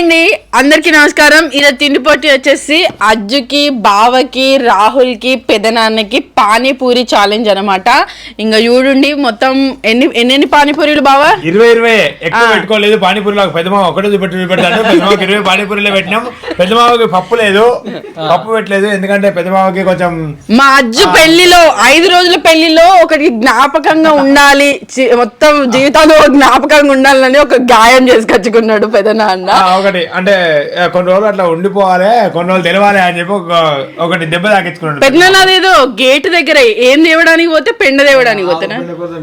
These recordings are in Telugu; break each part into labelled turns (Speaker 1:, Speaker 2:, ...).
Speaker 1: అండి అందరికి నమస్కారం. ఇలా తిండి పోటీ వచ్చేసి అజ్జుకి, బావకి, రాహుల్ కి, పెదనాన్నకి పానీపూరి ఛాలెంజ్ అనమాట. ఇంకా చూడండి మొత్తం ఎన్ని పానీపూరీలు బావా?
Speaker 2: 20 ఎక్కువ పెట్టుకోలేదు. పానీపూరిలో పెద్దమావ ఒకటే పెడతాను. పెద్దమావకి 20 పానీపూరిలో పెట్టినాం. పెద్దమావకి పప్పు లేదు, పప్పు పెట్టలేదు. ఎందుకంటే పెద్దమావకి కొంచెం
Speaker 1: మా అజ్జు పెళ్లిలో 5 రోజుల పెళ్లిలో ఒకటి జ్ఞాపకంగా ఉండాలి, మొత్తం జీవితంలో జ్ఞాపకంగా ఉండాలని ఒక గాయం చేసుకొచ్చుకున్నాడు పెదనాన్న.
Speaker 2: ఒకటి అంటే కొన్ని రోజులు అట్లా ఉండిపోవాలి, కొన్ని రోజులు తెలవాలి అని చెప్పి ఒకటి దెబ్బ తాకించుకున్నాడు
Speaker 1: పెదనాన్న. అదేదో గేట్ దగ్గర ఏం తేవడానికి పోతే పెండ తేవడానికి పోతేనా,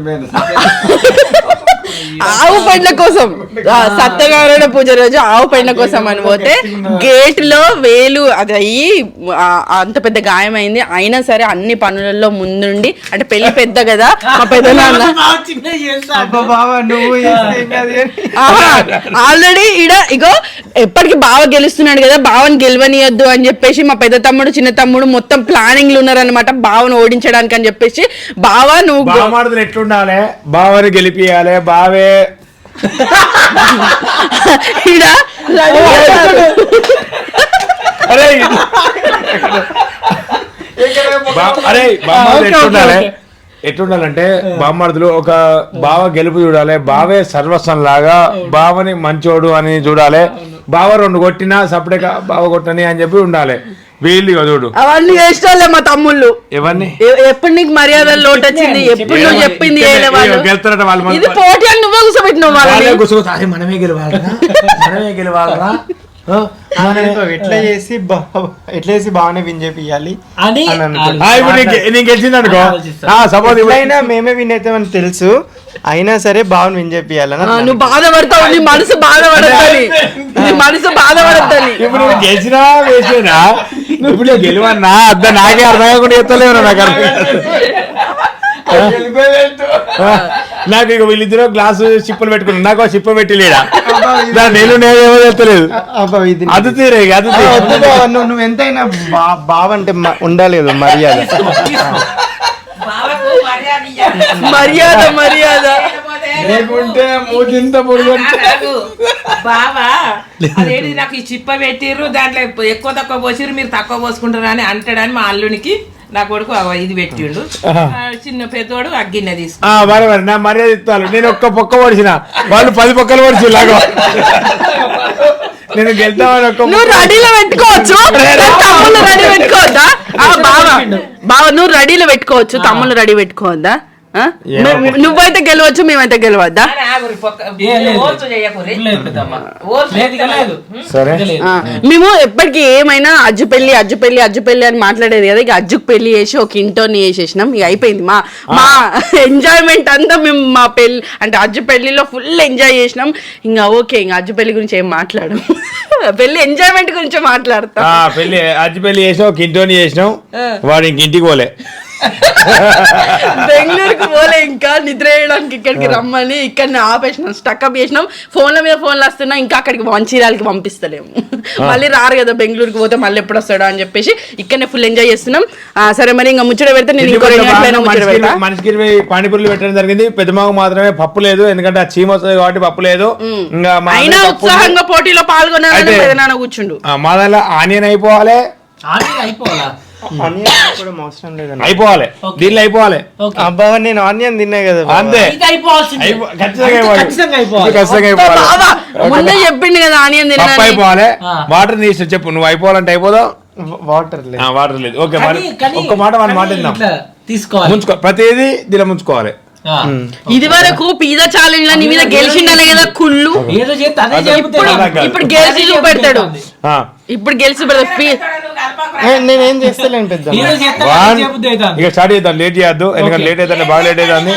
Speaker 1: ఆవు పెండ్ల కోసం, సత్యనారాయణ పూజ రోజు ఆవు పెండ్ల కోసం అని పోతే గేట్ లో వేలు అది అయ్యి అంత పెద్ద గాయమైంది. అయినా సరే అన్ని పనులలో ముందుండి, అంటే పెళ్లి పెద్ద కదా మా పెద్దనాన్న, ఆల్రెడీ ఇడ ఇగో ఎప్పటికి బావ గెలుస్తున్నాడు కదా, బావని గెలవనియద్దు అని చెప్పేసి మా పెద్ద తమ్ముడు చిన్న తమ్ముడు మొత్తం ప్లానింగ్లు ఉన్నారనమాట బావను ఓడించడానికి అని చెప్పేసి. బావ నువ్వు
Speaker 2: ఎట్లుండాలి, బావని గెలిపియాలి, బావే ఎట్లుండాలంటే బామ్మర్దులు ఒక బావ గెలుపు చూడాలి, బావే సర్వస్వం లాగా, బావని మంచోడు అని చూడాలి. బావ 2 కొట్టినా సపరేట్గా బావ కొట్టని అని చెప్పి ఉండాలి. వీళ్ళు చూడు
Speaker 1: అవన్నీ చేస్తాలే మా తమ్ముళ్ళు.
Speaker 2: ఎవరిని
Speaker 1: ఎప్పుడు నీకు మర్యాద లోటు వచ్చింది, ఎప్పుడు నువ్వు చెప్పింది
Speaker 2: గెలుతారట వాళ్ళు.
Speaker 1: ఇది పోటీ అని నువ్వే కూర్చోబెట్టినావు వాళ్ళని.
Speaker 2: మనమే గెలవాలరా
Speaker 3: ఎట్లా చేసి బాగానే విన్ చేపియాలి
Speaker 2: అని నీకు గెలిచింది అనుకో, సపోజ్
Speaker 3: అయినా మేమే విన్ అవుతామని తెలుసు, అయినా సరే బాగా విన్ చేపియాలని.
Speaker 1: నువ్వు బాధపడతావు, నీ మనసు బాధపడద్దని, నీ మనసు బాధపడద్దని.
Speaker 2: ఇప్పుడు నువ్వు గెలిచినా వేసేనా, ఇప్పుడు గెలవన్నా అద్దా నాకే అర్థం కాకుండా చెప్తలేవు. నాకు ఇక వీళ్ళిద్దరు గ్లాసు చిప్పలు పెట్టుకున్నాను, నాకు చిప్ప పెట్టి లేడా నేనేమో చెప్తలేదు. అది తీరే అది
Speaker 3: నువ్వు ఎంతైనా బావంటే ఉండాలి కదా మర్యాద.
Speaker 1: మర్యాద మర్యాద
Speaker 4: లేకుంటే మూజింత బావా అదేంటి నాకు ఈ చిప్ప పెట్టిర్రు, దాంట్లో ఎక్కువ తక్కువ పోసిర్రు, మీరు తక్కువ పోసుకుంటారు అని అంటాడని మా అల్లునికి నా కొడుకు ఇది పెట్టిండు. చిన్న పెద్దోడు అగ్గిన్నె తీసుకు
Speaker 2: నా మర్యాద ఇస్తాను. నేను ఒక్క పొక్క పొడిచిన, వాళ్ళు 10 పొక్కలు పొడిచి లాగా నేను గెలుతామని
Speaker 1: నువ్వు రెడీలో పెట్టుకోవచ్చు, తమ్ముళ్ళు రెడీ పెట్టుకోవద్దా? బావ నువ్వు రెడీలో పెట్టుకోవచ్చు, తమ్ముళ్ళు రెడీ పెట్టుకోవద్దా? నువ్వైతే గెలవచ్చు, మేమైతే గెలవద్దా? మేము ఎప్పటికీ ఏమైనా అజ్జు పెళ్లి అని మాట్లాడేది కదా. ఇక అజ్జుకు పెళ్లి చేసి ఒక ఇంటోని చేసేసినాం, ఇక అయిపోయింది. మా ఎంజాయ్మెంట్ అంతా మేము మా పెళ్లి అంటే అజ్జు పెళ్లిలో ఫుల్ ఎంజాయ్ చేసినాం. ఇంకా ఓకే, ఇంకా అజ్జు పెళ్లి గురించి ఏం మాట్లాడు, పెళ్లి ఎంజాయ్మెంట్ గురించి మాట్లాడతాం.
Speaker 2: పెళ్లి అజ్జు పెళ్లి చేసినాం, ఒక ఇంటోని చేసినాం, వాడు ఇంటికి పోలే,
Speaker 1: బెంగళూరుకి పోలే, ఇంకా నిద్ర వేయడానికి ఇక్కడికి రమ్మని ఇక్కడనే ఆపేసినాం, స్టక్అప్ చేసినాం. ఫోన్ల మీద ఫోన్లు వస్తున్నా, ఇంకా అక్కడికి మంచిర్యాలకి పంపిస్తలేము, మళ్ళీ రారు కదా బెంగళూరుకి పోతే మళ్ళీ ఎప్పుడు వస్తాడో అని చెప్పేసి ఇక్కడనే ఫుల్ ఎంజాయ్ చేస్తున్నాం. సరే మరి ఇంకా ముచ్చట పెడితే నేను ఇంకో 2 గంటలైనా ముచ్చట పెడతా.
Speaker 2: మనిషికి 20 పానీపూరీలు పెట్టడం జరిగింది. పెద్దమాకు మాత్రమే పప్పు లేదు, ఎందుకంటే ఆ చీమ వస్తుంది కాబట్టి పప్పు లేదు.
Speaker 1: ఇంకా అయినా ఉత్సాహంగా పోటీలో పాల్గొన్నాను పెదనాన్న కూర్చుండు.
Speaker 2: మా దాంట్లో ఆనియన్ అయిపోవాలి, అయిపోవాలి, దీనిలో అయిపోవాలి.
Speaker 3: అబ్బా నేను ఆనియన్ తిన్నా కదా,
Speaker 2: అంతే
Speaker 1: ముందే చెప్పిండు కదా ఆనియన్ తిన్నా
Speaker 2: అయిపోవాలి. వాటర్ తీసి చెప్పు, నువ్వు అయిపోవాలంటే అయిపోదా? వాటర్ లేదు. ఓకే, ఒక్క మాట తీసుకోవాలి, ముంచుకో, ప్రతిదీ దీనిలో ముంచుకోవాలి.
Speaker 1: ఇది వరకు పిజ్జా ఛాలెంజ్ నీ మీద గెలిచిండాలి కదా కుళ్ళు, ఇప్పుడు గెలిచి చూపెడతాడు, ఇప్పుడు గెలిచి
Speaker 3: నేనేం చేస్తలేను పెద్ద.
Speaker 2: ఇక స్టార్ట్ చేద్దాం, లేట్ చేయద్దు, ఎందుకంటే లేట్ అవుతుంది, బాగా లేట్ అవుతుంది.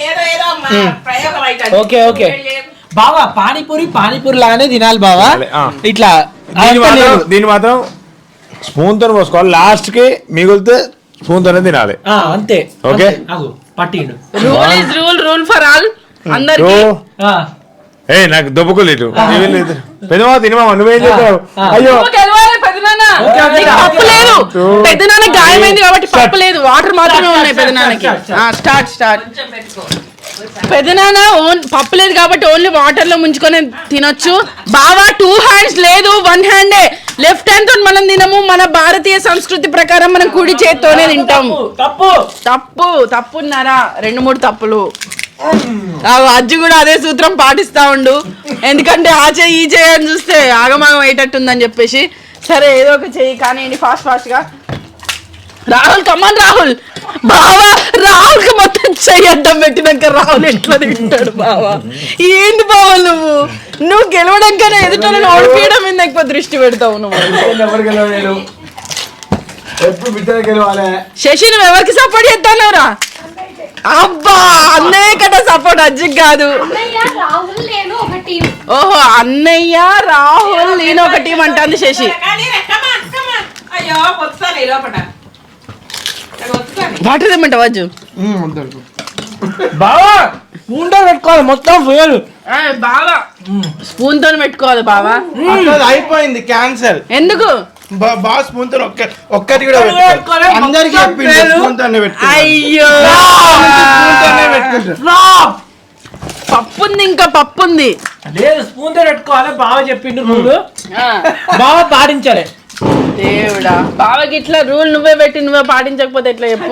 Speaker 5: ఓకే ఓకే బావా, పానీపూరి లాగానే తినాలి బావా. ఇట్లా
Speaker 2: దీన్ని మాత్రం స్పూన్ తో పోసుకోవాలి, లాస్ట్ కి మిగిలితే స్పూన్ తోనే తినాలి,
Speaker 5: అంతే.
Speaker 2: ఓకే,
Speaker 5: పట్టిండు.
Speaker 1: రూల్ ఫర్ ఆల్ అందరికీ.
Speaker 2: నాకు దొబ్బకులేదు పెద్దమా తినమా, నువ్వేం చేస్తావు? అయ్యో
Speaker 1: పప్పు లేదు, పెద్దనాన్న గాయమైంది కాబట్టి పప్పు లేదు, వాటర్ మాత్రమే ఉన్నాయి పెద్దనాన్నకి. స్టార్ట్ పెదనాన్న పప్పు లేదు కాబట్టి ఓన్లీ వాటర్ లో ముంచుకొని తినొచ్చు. బావా 2 hands లేదు 1 hand. లెఫ్ట్ హ్యాండ్ తో మనం తినము. మన భారతీయ సంస్కృతి ప్రకారం మనం కుడి చేత్తోనే తింటాం. తప్పున్నారా 2-3 తప్పులు. అజ్జు కూడా అదే సూత్రం పాటిస్తా ఉండు. ఎందుకంటే ఆ చెయ్యి ఈ చెయ్యి అని చూస్తే ఆగమాగం అయ్యేటట్టుందని చెప్పేసి. సరే ఏదో ఒక చెయ్యి కానీ ఫాస్ట్ గా. రాహుల్ కమాన్ రాహుల్. బావా రాహుల్ కి మొత్తం చెయ్యి అడ్డం పెట్టినాక రాహుల్ ఎట్లా తింటాడు బావా? ఏంటి బావా నువ్వు గెలవడం కన్నా ఎదుటోళ్ళని ఓడిపోయడం మీద ఎక్కువ దృష్టి పెడతావు నువ్వు. శశి నువ్వు ఎవరికి సపోర్ట్ చేస్తావురా? అబ్బా అన్నయ్య కదా సపోర్ట్, అజ్జికి కాదు. ఓహో అన్నయ్య రాహుల్ నేను ఒక టీం అంటుంది శశి. వాటర్ తెమ్మంటావా అజ్జు?
Speaker 5: బావా స్పూన్ తో పెట్టుకోవాలి మొత్తం ఫుల్.
Speaker 1: బావా స్పూన్ తో పెట్టుకోవాలి బావా.
Speaker 3: అయిపోయింది క్యాన్సల్.
Speaker 1: ఎందుకు?
Speaker 3: బాగా స్పూన్ తో ఒక్కటి కూడా అందరికి చెప్పింది స్పూన్ తోనే పెట్టుకుంటారు.
Speaker 1: అయ్యో పప్పుంది, ఇంకా పప్పుంది.
Speaker 5: లేదు స్పూన్ తో పెట్టుకోవాలి బావ చెప్పిండు రూల్. బావ పాటించాలి.
Speaker 1: దేవుడా బావకి ఇట్లా రూల్ నువ్వే పెట్టి నువ్వే పాటించకపోతే ఎట్లా చెప్పు?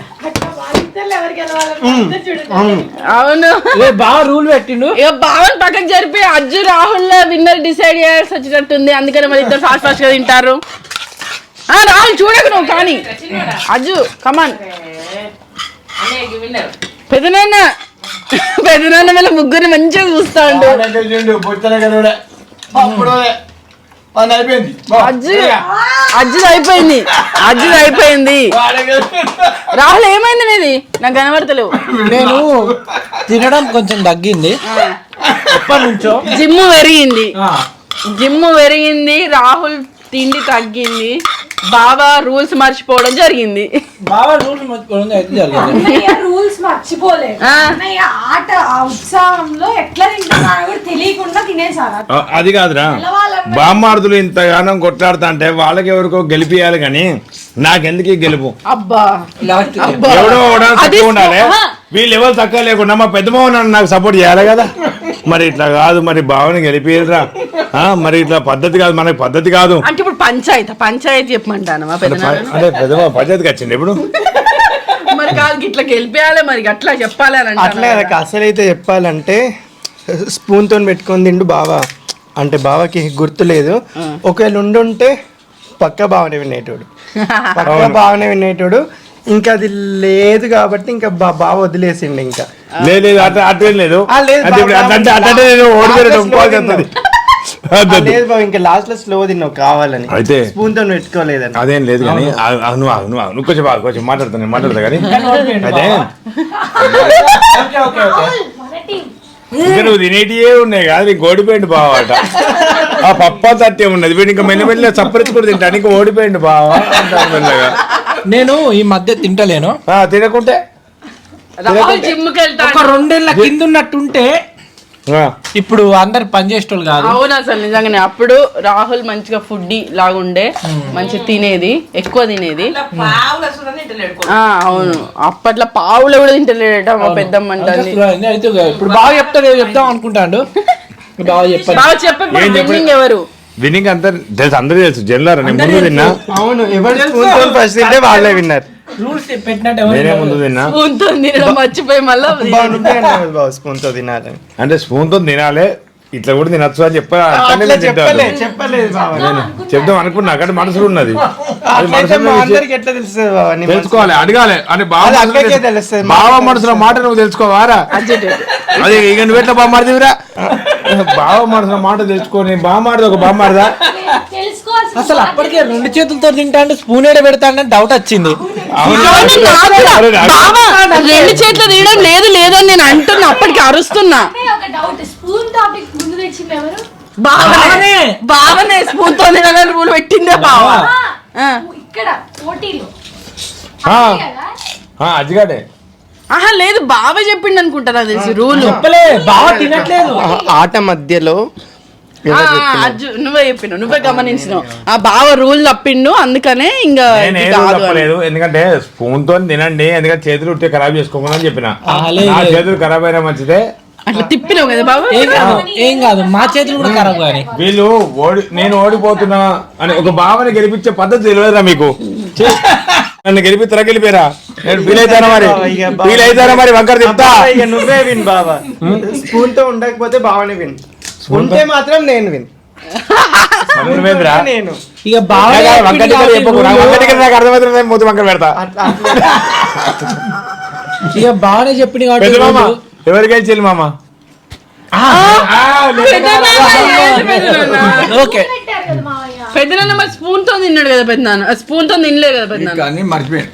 Speaker 1: అవును
Speaker 5: బావ రూల్ పెట్టిండు.
Speaker 1: ఇక బావని పక్కకు జరిపి అజ్జు రాహుల్ విన్నర్ డిసైడ్ చేయాల్సి వచ్చేటట్టుంది. అందుకని మరి ఇద్దరు ఫాస్ట్ గా తింటారు. రాహుల్ చూడకు నువ్వు కానీ. అజ్జు కమాన్. పెదనాన్న వీళ్ళ ముగ్గురిని మంచిగా చూస్తా ఉండు. అజ్జుది అయిపోయింది. రాహుల్ ఏమైంది నీది? నాకు కనబడతలేవు.
Speaker 5: నేను తినడం కొంచెం తగ్గింది ఎప్పటి నుంచో.
Speaker 1: జిమ్ పెరిగింది. రాహుల్ తిండి తగ్గింది. బాబా రూల్స్ మర్చిపోవడం జరిగింది.
Speaker 5: బాబా రూల్స్ మర్చిపోవడం అయితే జరిగింది.
Speaker 6: రూల్స్ మర్చిపోలేదు. ఆట ఉత్సాహంలో ఎట్లా తింటున్నారో కూడా తెలియకుండా తినేసారు.
Speaker 2: అది కాదురా, బామ్మార్దులు ఇంతగానం కొట్లాడుతా అంటే వాళ్ళకి ఎవరికో గెలిపియాలి కానీ నాకెందుకు గెలుపు?
Speaker 1: అబ్బా
Speaker 2: ఎవడో తక్కువ ఉండాలి. వీళ్ళు ఎవరు తక్కువ లేకుండా మా పెద్ద మోహన్ నాకు సపోర్ట్ చేయాలి కదా. మరి ఇట్లా కాదు, మరి బావని గెలిపియరా? మరి ఇట్లా పద్ధతి కాదు, మనకి పద్ధతి కాదు.
Speaker 1: అంటే ఇప్పుడు పంచాయతీ చెప్పమంటాను
Speaker 2: అంటే పెద్ద పంచాయతీకి వచ్చింది ఇప్పుడు.
Speaker 1: మరి కాదు ఇట్లా గెలిపేయాలి, మరి అట్లా చెప్పాలి అని
Speaker 3: అట్లా అసలు అయితే చెప్పాలంటే స్పూన్ తో పెట్టుకొని తిండు బావా. అంటే బావకి గుర్తు లేదు. ఒకవేళ ఉండుంటే పక్క బావనే వినేటోడు. ఇంకా అది లేదు కాబట్టి ఇంకా బావ వదిలేసిండు. ఇంకా
Speaker 2: లేదు అట్లేం లేదు.
Speaker 3: లేదు బాబు, ఇంకా లాస్ట్ లో స్లో తిన్నావు కావాలని. అయితే స్పూన్ తో పెట్టుకోలేదని
Speaker 2: అదేం లేదు కానీ నువ్వు కొంచెం మాట్లాడతా కానీ అదే ఇంకా నువ్వు తినేటివే ఉన్నాయి కాదు. నీకు ఓడిపోయింది బావట. ఆ పప్ప తట్టే ఉన్నది. వీడు ఇంకా మెల్లమెల్ల చప్పరించి కూడా తింటాను. ఇంకా ఓడిపోయింది బావా అంటాను మెల్లగా.
Speaker 5: నేను ఈ మధ్య తింటలేను.
Speaker 2: తినకుంటే
Speaker 1: జిమ్కి వెళ్తా.
Speaker 5: ఒక 2 ఏళ్ళ కింద ఉన్నట్టుంటే ఇప్పుడు అందరు పనిచేసేటోళ్ళు కాదు.
Speaker 1: అవును అసలు నిజంగానే. అప్పుడు రాహుల్ మంచిగా ఫుడ్ లాగుండే, మంచి తినేది, ఎక్కువ తినేది. అవును అప్పట్లో పావులు కూడా తింటలేడట మా పెద్దమ్మ అంటుంది.
Speaker 5: ఇప్పుడు బాగా చెప్తాం అనుకుంటాడు. బాగా
Speaker 1: చెప్పండి ఎవరు
Speaker 2: విన్నింగ్ అంతా తెలుసు, అందరూ తెలుసు. జనరల్ ముందు తిన్నా.
Speaker 3: అవును ఎవరు ఫస్ట్ తింటే వాళ్ళే విన్నారు.
Speaker 2: నేనే ముందు తిన్నా.
Speaker 1: మర్చిపోయి మళ్ళీ
Speaker 3: స్పూన్ తో తినాలని
Speaker 2: అంటే స్పూన్ తో తినాలి, ఇట్లా కూడా తినచ్చు అని చెప్దాం అనుకున్నా. అక్కడ మనసులో ఉన్నది. తెలుసుకోవాలి, అడగాలి అని బావ మనసులో మాట నువ్వు తెలుసుకోవారా? అదే ఇక నువ్వు ఎట్లా బామ్మాడిదివిరా? బావ మనసులో మాట తెలుసుకొని బామ్మాడిది ఒక బామ్మాడదా?
Speaker 5: అసలు అప్పటికే 2 చేతులతో తింటా స్పూన్ ఏడ పెడతాడని డౌట్ వచ్చింది.
Speaker 1: 2 చేతులు తీయడం లేదని నేను అంటున్నా. అప్పటికి అరుస్తున్నా. బావనే స్పూన్ తో తినాలని రూల్ పెట్టిందే బావ.
Speaker 2: అజ్జిగాడే
Speaker 1: లేదు బావ చెప్పిండు అనుకుంటా నాకు తెలిసి రూల్.
Speaker 5: చెప్పలే బావ తినట్లేదు.
Speaker 3: ఆట మధ్యలో
Speaker 1: అజ్జు నువ్వే చెప్పినావు, నువ్వే గమనించినావు. ఆ బావ రూల్ తప్పిండు, అందుకనే ఇంకా
Speaker 2: నేను
Speaker 1: ఇది
Speaker 2: ఏదో
Speaker 1: కాదు అని.
Speaker 2: తప్పలేదు, ఎందుకంటే స్పూన్ తో తినండి, ఎందుకంటే చేతులు ఉట్టే ఖరాబ్ చేసుకోమని అని చెప్పిన. నా చేతులు ఖరాబ్ అయినా మంచిదే.
Speaker 1: అట్లా తిప్పినావు కదా బాబు.
Speaker 5: ఏం కాదు, మా చేతులు కూడా ఖరాబ్ కానీ.
Speaker 2: వీళ్ళు నేను ఓడిపోతున్నా అని ఒక భావన గెలిపించే పద్ధతి తెలియదురా మీకు? నన్ను గెలిపిస్తారా, గెలిపారా? నేను ఫీల్ అవుతానా మరి, ఫీల్ అవుతారా మరి? వంకర చెప్తా.
Speaker 3: ఇక నువ్వే విన్ బావా. స్పూన్ తో ఉండకపోతే బావనే విన్, ఉంటే మాత్రం నేను విన్.
Speaker 2: నువ్వేంద్రా?
Speaker 3: నేను
Speaker 5: ఇక బాగా
Speaker 2: వంకర చెప్పకు, నాకు అర్థమవుతుంది, మూతి వంకర పెడతా.
Speaker 5: ఇక బాగానే చెప్పింది
Speaker 2: పెద్ద మామ
Speaker 5: కాబట్టి
Speaker 2: ఎవరికి చెల్లి మామ?
Speaker 5: ఓకే.
Speaker 6: పెట్టారు కదా మావయ్య.
Speaker 1: పెద్దనాన్న మరి స్పూన్ తో తిన్నాడు కదా పెద్దనాన్న, స్పూన్ తో తినలేదు కదా పెద్దనాన్న.
Speaker 7: అన్ని మర్చిపోయాను,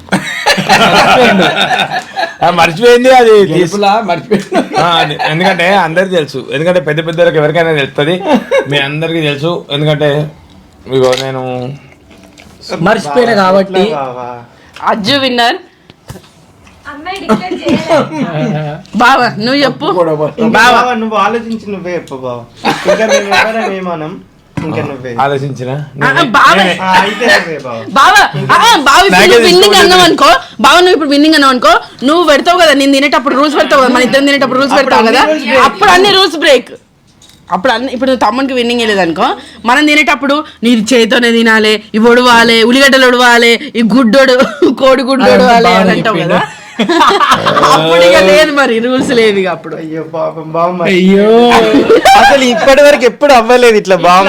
Speaker 2: మర్చిపోయింది అది
Speaker 7: మర్చిపోయాను.
Speaker 2: ఎందుకంటే అందరికి తెలుసు, ఎందుకంటే పెద్ద పెద్దలకు ఎవరికైనా తెలుస్తుంది, మీ అందరికి తెలుసు. ఎందుకంటే ఇగో నేను
Speaker 5: మర్చిపోయినా కాబట్టి
Speaker 3: బావా.
Speaker 1: అజ్జు విన్నర్.
Speaker 6: అన్నయ్య డిక్లేర్ చేయలేదు.
Speaker 1: బావా నువ్వు చెప్పు.
Speaker 3: ఇంకా బావా, నువ్వు ఆలోచించి నువ్వే చెప్పు బావా. ఇంకా మేము ఎవరం ఏమనం, ఇంకా నువ్వే
Speaker 2: ఆలోచించిన
Speaker 1: బావా
Speaker 3: అయితే నువ్వే బావా.
Speaker 1: బావా బావ ఇప్పుడు విన్నింగ్ అన్నావు అనుకో, బావ నువ్వు ఇప్పుడు విన్నింగ్ అన్నావు అనుకో, నువ్వు పెడతావు కదా, నేను తినేటప్పుడు రూల్స్ పెడతావు కదా, మన ఇద్దరు తినేటప్పుడు రూల్స్ పెడతావు కదా, అప్పుడు అన్ని రూల్స్ బ్రేక్. అప్పుడు అన్ని, ఇప్పుడు నువ్వు తమ్మునికి విన్నింగ్ వెళ్ళేది అనుకో, మనం తినేటప్పుడు నీ చేతితోనే తినాలి, ఇవి ఒడవాలి, ఉల్లిగడ్డలు ఒడవాలి, ఈ గుడ్డోడు కోడి గుడ్డు ఒడవాలి అని అంటావు కదా. అప్పుడు ఇక లేదు మరి రూల్స్ లేవు ఇక అప్పుడు.
Speaker 3: అయ్యో పాపం బావ,
Speaker 5: అయ్యో
Speaker 3: అసలు ఇప్పటి వరకు ఎప్పుడు అవ్వలేదు ఇట్లా బావ.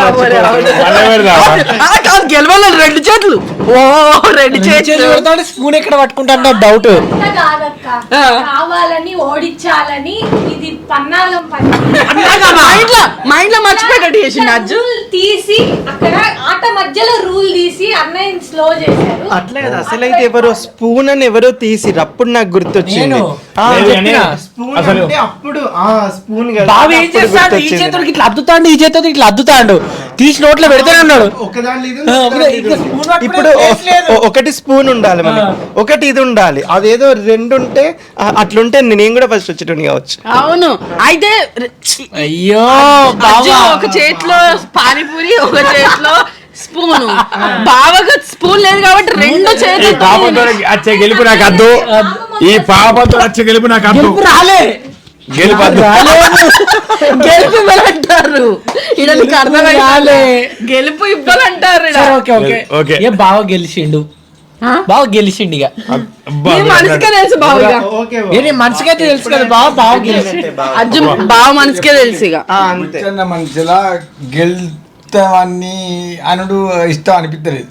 Speaker 1: కాదు గెలవాలి, రెండు చేతులు, ఓ రెండు చేతులు.
Speaker 5: స్పూన్ ఎక్కడ పట్టుకుంటా డౌట్.
Speaker 6: అంత కాదక్క, కావాలని ఓడించాలని ఇది పన్నాగం పని.
Speaker 1: మైండ్ లో మర్చిపోయేటట్టు చేసిండు అజ్జు.
Speaker 6: రూల్ తీసి అక్కడ ఆట మధ్యలో రూల్ తీసి అన్నయ్య స్లో చేశారు.
Speaker 3: అట్లే కదా, అసలైతే ఎవరో స్పూన్ అని ఎవరో తీసిరు, అప్పుడు నాకు గుర్తొచ్చింది.
Speaker 5: నేను
Speaker 3: స్పూన్
Speaker 2: అసలు
Speaker 3: అంటే అప్పుడు స్పూన్
Speaker 5: బాబు ఏం చేస్తాడు, ఈ చేతులకి ఇట్లా అద్దుతాడు, ఈ చేతులకి ఇట్లా అద్దుతాడు, తీసి నోట్లో పెడితేనే ఉన్నాడు.
Speaker 3: ఇప్పుడు ఒకటి స్పూన్ ఉండాలి మనకి, ఒకటి ఇది ఉండాలి, అదేదో రెండు ఉంటే అట్లుంటే నేను కూడా ఫస్ట్ వచ్చేటోని కావచ్చు.
Speaker 1: అవును, అయితే
Speaker 5: అయ్యో
Speaker 1: అజ్జు ఒక చేతిలో పానీపూరి, ఒక చేతిలో స్పూన్. బావగా స్పూన్ లేదు కాబట్టి రెండు చేతులు.
Speaker 2: పాపంతో వచ్చే గెలుపు నాకు అద్దు, ఈ పాపంతో వచ్చే గెలుపు నాకు అద్దు.
Speaker 5: రాలే
Speaker 2: గెలుపు అద్దు.
Speaker 1: గెలుపు ఇవ్వాలంటారు ఇక్కడ, నీకు అర్థమైంది?
Speaker 5: రాలే.
Speaker 1: గెలుపు ఇవ్వాలంటారు ఈడ.
Speaker 5: Okay okay
Speaker 2: okay.
Speaker 5: ఏ బాగా గెలిచిండు,
Speaker 1: ఆ?
Speaker 5: బాగా గెలిచిండు. ఇక
Speaker 2: అబ్బా,
Speaker 1: నీ మనసుకే తెలుసు బావగా.
Speaker 3: ఓకే
Speaker 5: ఏ నీ మనసుకైతే తెలుసు కదా బాగా గెలిచి.
Speaker 1: అజ్జు బావ మనసుకే తెలుసు ఇక.
Speaker 3: అంతే.
Speaker 7: చిన్న మనిషిలా గెలుతావన్నీ అనుడు ఇష్టం అనిపించలేదు.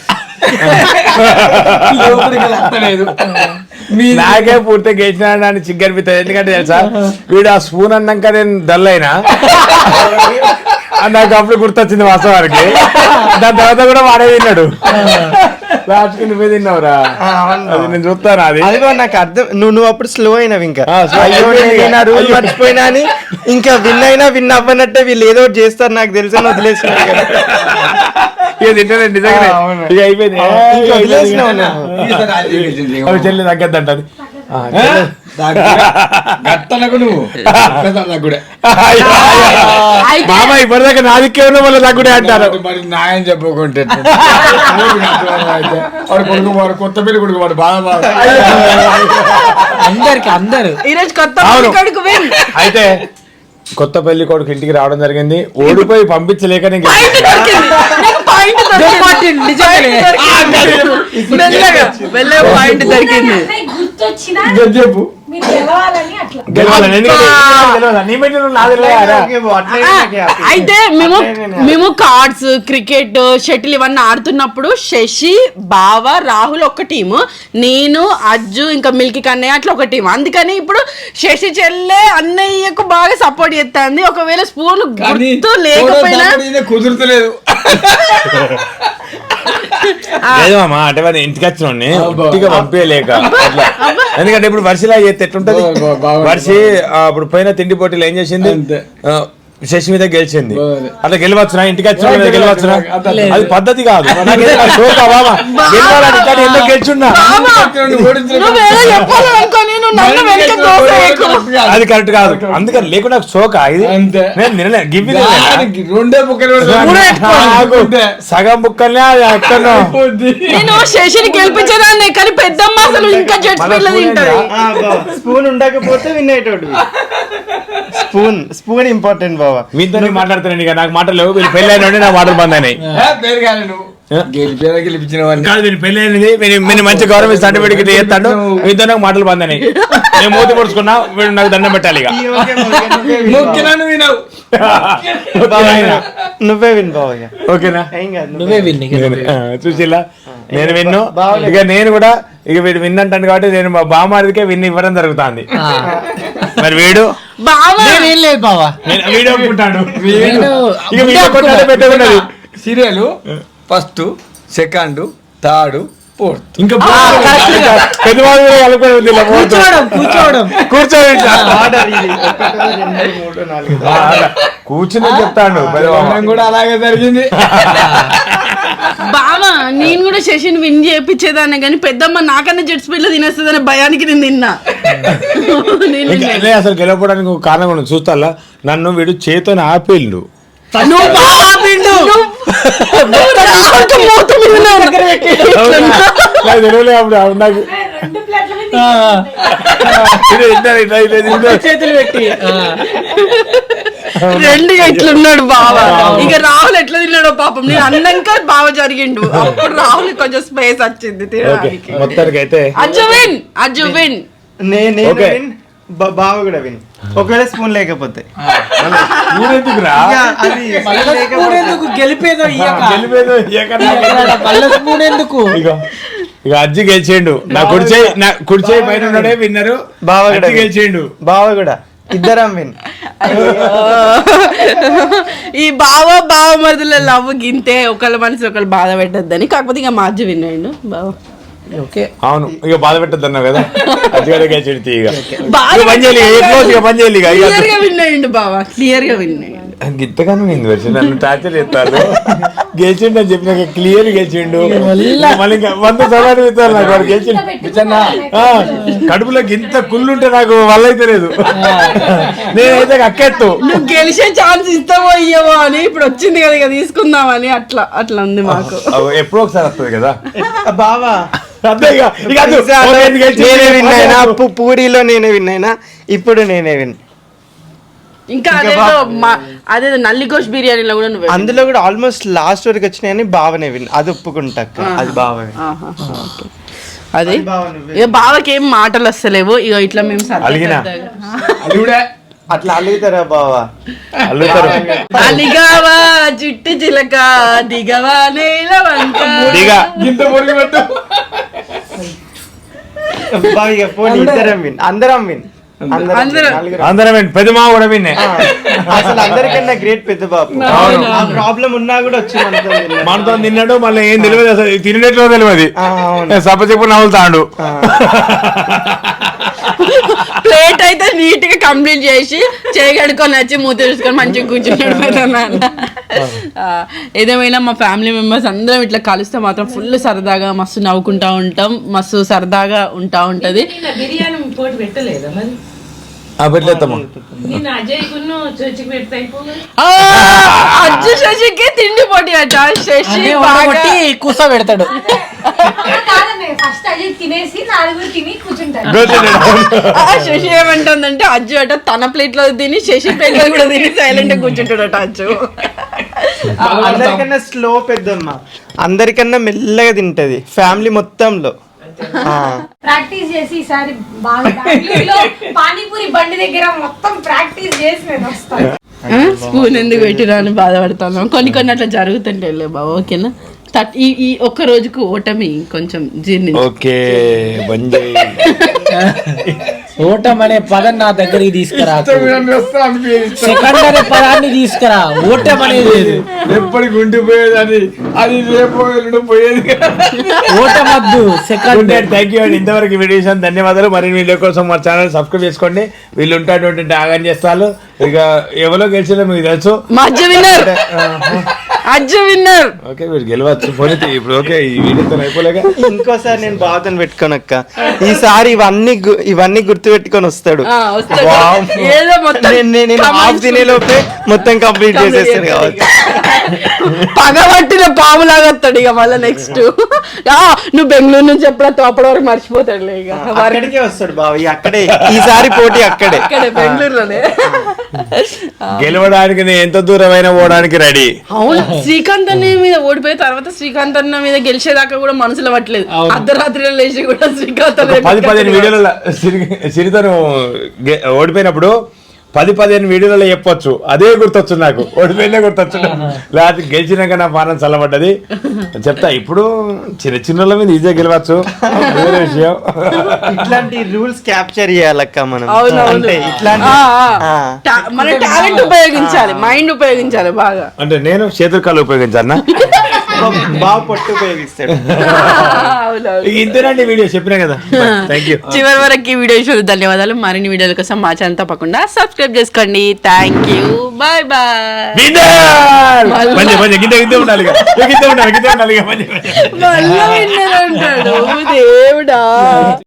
Speaker 2: నాకే పూర్తిగా గెలిచిన అని చిగ్గనిపిస్తుంది. ఎందుకంటే తెలుసా, వీడు ఆ స్పూన్ అన్నాక నేను డల్ అయినా, నాకు అప్పుడు గుర్తొచ్చింది వాస్తవానికి. దాని తర్వాత కూడా వాడే తిన్నాడు. లాస్ట్కి నువ్వే తిన్నావురా, అది నేను చూస్తాను. అది
Speaker 3: అదిగో నాకు అర్థం, నువ్వు అప్పుడు స్లో అయినావు. ఇంకా
Speaker 2: slow
Speaker 3: అయ్యో
Speaker 2: అయిపోయింది.
Speaker 3: నేను రూల్ మర్చిపోయినా అని, ఇంకా విన్ అవ్వనట్టే వీళ్ళు ఏదో ఒకటి చేస్తారు నాకు తెలుసు అని వదిలేసినావు కదా.
Speaker 2: ఇక తింటాను నిజంగానే.
Speaker 3: అవును.
Speaker 2: ఇక అయిపోయింది.
Speaker 3: ఇంకా వదిలేసినావు నువ్వు.
Speaker 2: అవి చెల్లి తగ్గద్దంటది.
Speaker 7: గట్టనకు నువ్వు తగ్గుడే
Speaker 1: అయితే
Speaker 2: మామ ఇప్పటిదాకా నా దిక్కే ఉన్న వాళ్ళు తగ్గుడే అంటారు.
Speaker 7: మరి న్యాయం చెప్పుకుంటే వాడు కొడుకు, వాడు కొత్త పెళ్లి కొడుకు, వాడు బాగా
Speaker 5: అందరు
Speaker 1: ఈరోజు కొత్త
Speaker 2: అవును.
Speaker 1: కొడుకు win.
Speaker 2: అయితే కొత్త పెళ్లి కొడుకు ఇంటికి రావడం జరిగింది. ఓడిపోయి పంపించలేక నేను
Speaker 1: పాయింట్ దొరికింది. నీకు పాయింట్ దొరికింది.
Speaker 5: నిజంగానే.
Speaker 1: మెల్లగా, మెల్లగా పాయింట్ దొరికింది.
Speaker 6: అన్నయ్య గుర్తొచ్చినా
Speaker 2: చెప్పు
Speaker 6: మీరు గెలవాలని అట్లా.
Speaker 2: గెలవాలని. ఎందుకంటే గెలవాలా? నీ మధ్య నువ్వు నాది లేరా?
Speaker 3: ఓకే బావ, అట్లయితే నాకు happy.
Speaker 1: అయితే మేము కార్డ్స్, క్రికెట్, షటిల్ ఇవన్నీ ఆడుతున్నప్పుడు శశి, బావ, రాహుల్ ఒక టీము, నేను, అజ్జు, ఇంకా మిల్కీ కన్నయ్య అట్లా ఒక టీం. అందుకని ఇప్పుడు శశి చెల్లె అన్నయ్యకు బాగా సపోర్ట్ చేస్తుంది. ఒకవేళ స్పూన్ గుర్తు లేకపోయినా
Speaker 7: కుదురుతలేదు.
Speaker 2: లేదు మామ, అంటే వాడిని ఇంటికి వచ్చిన ఇంటికి పంపించలేక అట్లా. ఎందుకంటే ఇప్పుడు వర్షిలా చేస్తే ఎట్లుంటది. వర్షి ఇప్పుడు పోయిన తిండి పోటీలు ఏం చేసింది, శశి మీద గెలిచింది అట్లా గెలవచ్చునా ఇంటికి వచ్చిన గెలవచ్చునా అది పద్ధతి కాదు షోకా బాబా గెలవాలని కానీ ఎందుకు గెలిచున్నా
Speaker 1: నువ్వేదో చెప్పాలనుకోని నువ్వు నన్ను వెనక దోసేయకు.
Speaker 2: అది కరెక్ట్ కాదు అందుకని లేకుండా షోకా ఇది
Speaker 7: అంతే.
Speaker 2: నేను నిన్నలే గివ్వి
Speaker 7: రెండే బుక్కలు
Speaker 2: సగం బుక్కల్నే అది ఎక్కడో
Speaker 1: నేను శశిని గెలిపించేదాన్ని కానీ పెద్దమ్మ అసలు ఇంకా జడ్స్ పిల్ల తింటది.
Speaker 3: స్పూన్ ఉండకపోతే విన్ అయ్యేటోడు. స్పూన్ ఇంపార్టెంట్ బావా.
Speaker 2: మీతో మాట్లాడుతున్నాను ఇక నాకు మాటలు లేవు వీళ్ళు పెళ్ళి అయిన నాకు మాటలు బంద్ అయినాయి
Speaker 7: పేరు కాదు నువ్వు గెలిచిన వాడిని
Speaker 2: కాదు వీళ్ళు పెళ్ళి అయినది మీరు మంచి గవర్నమెంట్ సర్టిఫికేట్ చేస్తాడు మీతో నాకు మాటలు బంద్ అయినాయి నేను మూతి పొడుచుకున్నా వీడు నాకు దండం పెట్టాలి ఇక
Speaker 7: ముఖ్యనన్ను వినవు
Speaker 3: నువ్వే విన్ బావా.
Speaker 2: ఓకేనా
Speaker 3: ఏం కాదు
Speaker 5: నువ్వే విన్
Speaker 2: చూసిలా నేను విన్ను ఇక నేను కూడా ఇక వీడు విన్ అంటాను కాబట్టి నేను మా బామారికే విన్ ఇవ్వడం జరుగుతుంది మరి వీడు
Speaker 1: బావా
Speaker 5: ఏం లేదు బావా.
Speaker 2: నేను వీడియో ఒప్పుకుంటాడు
Speaker 5: నేను
Speaker 2: ఇక వీడియో కొట్టాలి పెట్టకున్నది
Speaker 7: serial first second third fourth
Speaker 2: ఇంకా పెద్దవాళ్ళు కలుపుకొని ఉంది ఇలా పోతూ.
Speaker 5: కూర్చోవడం
Speaker 2: కూర్చోండి ఇట్లా.
Speaker 3: ఆర్డర్ ఇది 1 2 3 4
Speaker 2: అలా కూర్చుని చెప్తాడు పెద్దవాళ్ళు.
Speaker 7: కూడా అలాగే జరిగింది.
Speaker 1: బావా నేను కూడా శశిని విన్ చేయించేదాన్ని కానీ పెద్దమ్మ నాకన్నా జడ్స్ పిల్ల తినేస్తుందనే భయానికి నేను తిన్నా. నేను
Speaker 2: ఇంకా అదే అసలు గెలవడానికి ఒక కారణం కూడా చూస్తా నన్ను వీడు చేతో ఆపేళ్ళు
Speaker 1: నువ్వు బాగా ఆపిండు. నువ్వు రావద్దు మూత మీద నా దగ్గర పెట్టి.
Speaker 2: నాకు తెలియలే అప్పుడు నాకు
Speaker 6: 2 ప్లేట్ల మీద
Speaker 2: ఇది ఇద్దరు ఇట్లా ఇట్లా ఇద్దరు.
Speaker 5: చేతులు పెట్టి
Speaker 1: రెండు ఎట్లున్నాడు బావా. ఇక రాహుల్ ఎట్లా తిన్నాడో పాపం నేను అన్నాక బావ జరిగిండు అప్పుడు రాహుల్ కొంచెం స్పేస్ వచ్చింది
Speaker 2: ఓకే
Speaker 1: తినడానికి.
Speaker 2: మొత్తానికి అయితే
Speaker 1: అజ్జు విన్
Speaker 3: నేను
Speaker 2: ఓకే.
Speaker 3: విన్ బావ కూడా విన్. ఒకవేళ స్పూన్ లేకపోతే
Speaker 2: ఊరెందుకురా
Speaker 3: ఇక అది
Speaker 5: స్పూన్ ఎందుకు గెలిపేదో ఇయ్యక.
Speaker 2: గెలిపేదో ఏకన్నా
Speaker 5: మళ్ళా స్పూన్ ఎందుకు.
Speaker 2: ఇక అజ్జి గెలిచేయండు నా కుడిచేయి పైన ఉన్నాడే విన్నరు
Speaker 3: బావ కూడా
Speaker 2: అజ్జి గెలిచేయండు
Speaker 3: బావ కూడా ఇద్దరం విన్.
Speaker 1: ఈ బావ మరుదుల లవ్ గింతే ఒకళ్ళ మనసు ఒకళ్ళు బాధ పెట్టద్దని. కాకపోతే ఇక మా అజ్జు విన్ అయ్యిండు బావ.
Speaker 5: ఓకే
Speaker 2: అవును ఇక బాధ పెట్టద్దన్నావు కదా అజ్జిగాడే గెలిచేది ఇక
Speaker 1: బాధ
Speaker 2: ఇక పని చేయాలి ఇక క్లోజ్ ఇక పని చేయాలి ఇక
Speaker 1: క్లియర్ గా విన్ అయ్యిండు బావ క్లియర్ గా విన్ అయ్యిండు.
Speaker 2: గింతగానే వింది వచ్చి నన్ను టార్చర్ చేస్తారు గెలిచిండు అని చెప్పినాక క్లియర్ గెలిచిండు మళ్ళీ ఇంకా 100 సవాలు ఇస్తారు నాకు వాడు గెలిచిండు ఆ, కడుపులో గింత కుళ్ళుంటే నాకు వల్ల అయితే లేదు నేనైతే అక్కెత్తు
Speaker 1: నువ్వు గెలిచే ఛాన్స్ ఇస్తావో ఇయ్యవో అని ఇప్పుడు వచ్చింది కదా ఇక తీసుకుందామని అట్లా ఉంది మాకు.
Speaker 2: ఎప్పుడో ఒకసారి వస్తుంది కదా
Speaker 3: బావా
Speaker 2: అంతే ఇక ఇక అద్దు.
Speaker 3: నేనే విన్ అయినా పూరిలో నేనే విన్ అయినా ఇప్పుడు నేనే విన్.
Speaker 1: ఇంకా అదేదో నల్లిగోష్ బిర్యానీలో కూడా నువ్వు
Speaker 3: అందులో కూడా ఆల్మోస్ట్ లాస్ట్ వరకు వచ్చినాయని బావనే విన్. అది ఒప్పుకుంటా అది బావ win.
Speaker 1: అదే
Speaker 3: బావ నువ్వే.
Speaker 1: ఇక బావకి ఏం మాటలు వస్తలేవు ఇక ఇట్లా మేము
Speaker 2: అలిగినా?
Speaker 7: అది కూడా
Speaker 3: అట్లా అలుగుతారా బావా.
Speaker 2: అల్లుతారు
Speaker 1: అలిగావా చిట్టి చిలక దిగవా నేల వంక.
Speaker 2: దిగా
Speaker 7: ఇంత పొరుగు పెట్టు.
Speaker 3: బావ ఇక పోనీ ఇద్దరం విన్. అందరం విన్.
Speaker 1: అందరం.
Speaker 2: అందరం పెద్ద మా కూడా విన్నే
Speaker 3: అసలు అందరికన్నా గ్రేట్ పెద్ద బాబు. ఆ ప్రాబ్లం ఉన్నా కూడా వచ్చి మనతో విన్నాడు.
Speaker 2: మనతో తిన్నాడు మళ్ళీ ఏం తెలియదు అసలు తినేట్లో తెలియదు
Speaker 3: అవును.
Speaker 2: సప్ప చెప్పు నవ్వుతాడు
Speaker 1: ప్లేట్ అయితే నీట్ గా కంప్లీట్ చేసి చేయగడుకొని వచ్చి మూత చూసుకొని మంచిగా కూర్చున్నాడు పెద్దనాన్న. ఏదేమైనా మా ఫ్యామిలీ మెంబర్స్ అందరం ఇట్లా కలిస్తే మాత్రం ఫుల్ సరదాగా మస్తు నవ్వుకుంటా ఉంటాం మస్తు సరదాగా ఉంటది.
Speaker 4: బిర్యానీ పోటీ పెట్టలేదా మరి
Speaker 2: పెట్టలేస్తాము
Speaker 4: నేను అజయ్ కున్ను చర్చికి పెడితే
Speaker 1: ఆ, అజ్జు శశికి తిండి పోటీ అట. శశి బాగా
Speaker 5: కూస పెడతాడు.
Speaker 6: కాదనే ఫస్ట్ అయ్యి తినేసి 4 తిని కూర్చుంటారు.
Speaker 1: శశి ఏమంటుందంటే అజ్జు అట తన ప్లేట్ లో తిని శశి ప్లేట్ లో కూడా తిని సైలెంట్ గా కూర్చుంటాడట అజ్జు.
Speaker 3: అందరికన్నా స్లో పెద్దమ్మ అందరికన్నా మెల్లగా తింటది ఫ్యామిలీ మొత్తంలో.
Speaker 6: ప్రాక్టీస్ చేసి ఈసారి బాగా బెంగళూరులో పానీపూరి బండి దగ్గర మొత్తం ప్రాక్టీస్ చేసి నేను వస్తాను.
Speaker 1: స్పూన్ ఎందుకు పెట్టినా అని బాధపడతాను. కొన్ని అట్లా జరుగుతుంటే బాబు ఓకేనా ఈ ఒక్క రోజుకు ఓటమి కొంచెం జీర్ణి
Speaker 2: ఓకే బంద్ చేయి.
Speaker 5: ఓటం అనే పదం నా దగ్గరికి తీసుకురా సెకండ్ అనే పదాన్ని తీసుకురా ఓటం అనేది లేదు
Speaker 7: ఎప్పటికి ఉండిపోయేదని అది రేపు ఎల్లుండి పోయేది
Speaker 5: ఓటం వద్దు సెకండ్
Speaker 2: థ్యాంక్ యూ అండి. ఇంతవరకు వీడియో చూసాను, ధన్యవాదాలు. మరిన్ని వీడియో కోసం మా ఛానల్ సబ్స్క్రైబ్ చేసుకోండి. వీళ్ళు ఉంటాటువంటి ఆగం చేస్తారు. ఇక ఎవరో గెలిచిందో మీకు తెలుసు.
Speaker 1: మా Ajju winner, Ajju winner.
Speaker 2: Okay మీరు గెలవచ్చు. పోనీ ఇప్పుడు ఓకే ఈ వీడియోతో అయిపోలేక
Speaker 3: ఇంకోసారి నేను బాధను పెట్టుకోనక్క, ఈసారి ఇవన్నీ గుర్తు పెట్టుకొని వస్తాడు.
Speaker 1: వస్తాడు.
Speaker 3: వావ్.
Speaker 1: ఏదో మొత్తం
Speaker 3: నేను హాఫ్ తినేలోపే మొత్తం కంప్లీట్ చేసేస్తాను కాబట్టి
Speaker 1: పగబట్టిన పాములాగా వస్తాడు ఇక మళ్ళీ నెక్స్ట్. నువ్వు బెంగళూరు నుంచి ఎప్పుడో అప్పటి వరకు మర్చిపోతాడులే ఇక.
Speaker 3: అక్కడికే వస్తాడు బావ, అక్కడే ఈసారి పోటీ అక్కడే.
Speaker 1: ఇక్కడే బెంగళూరులోనే.
Speaker 2: గెలవడానికి నేను ఎంత దూరమైనా పోవడానికి రెడీ.
Speaker 1: అవును, శ్రీకాంత్ అన్న మీద ఓడిపోయిన తర్వాత శ్రీకాంత్ అన్న మీద గెలిచేదాకా కూడా మనసులో పట్టలేదు. అర్ధరాత్రిలో లేచి కూడా శ్రీకాంత్ అన్న
Speaker 2: 10-15 వీడియోలలో సిరితను ఓడిపోయినప్పుడు 10-15 వీడియోలలో చెప్పొచ్చు, అదే గుర్తొచ్చు నాకు. ఓడిపోయినా గుర్తొచ్చు, లేకపోతే గెలిచినాక నా పానం చల్లబడ్డది చెప్తా. ఇప్పుడు చిన్న మీద ఈజీగా గెలవచ్చు, వేరే విషయం.
Speaker 3: ఇట్లాంటి రూల్స్ క్యాప్చర్ చేయాలక్క మనం.
Speaker 1: అవునవును.
Speaker 3: అంటే ఇట్లాంటి
Speaker 1: మన టాలెంట్ ఉపయోగించాలి, మైండ్ ఉపయోగించాలి బాగా.
Speaker 2: అంటే నేను చేతులు ఉపయోగించాను.
Speaker 3: బాగా పట్టు ఉపయోగిస్తాడు.
Speaker 1: అవునవును.
Speaker 2: ఇంతేనండి వీడియో చెప్పినా కదా. Thank you.
Speaker 1: చివరి వరకు ఈ వీడియో చూసి ధన్యవాదాలు. మరిన్ని వీడియోల కోసం మా ఛానల్ తప్పకుండా సబ్స్క్రైబ్ చేసుకోండి. Thank you, bye bye.
Speaker 2: గింత ఉండాలి, గింత ఉండాలి, గింత ఉండాలి.
Speaker 1: మళ్ళీ విన్నర్ అంటాడు దేవుడా.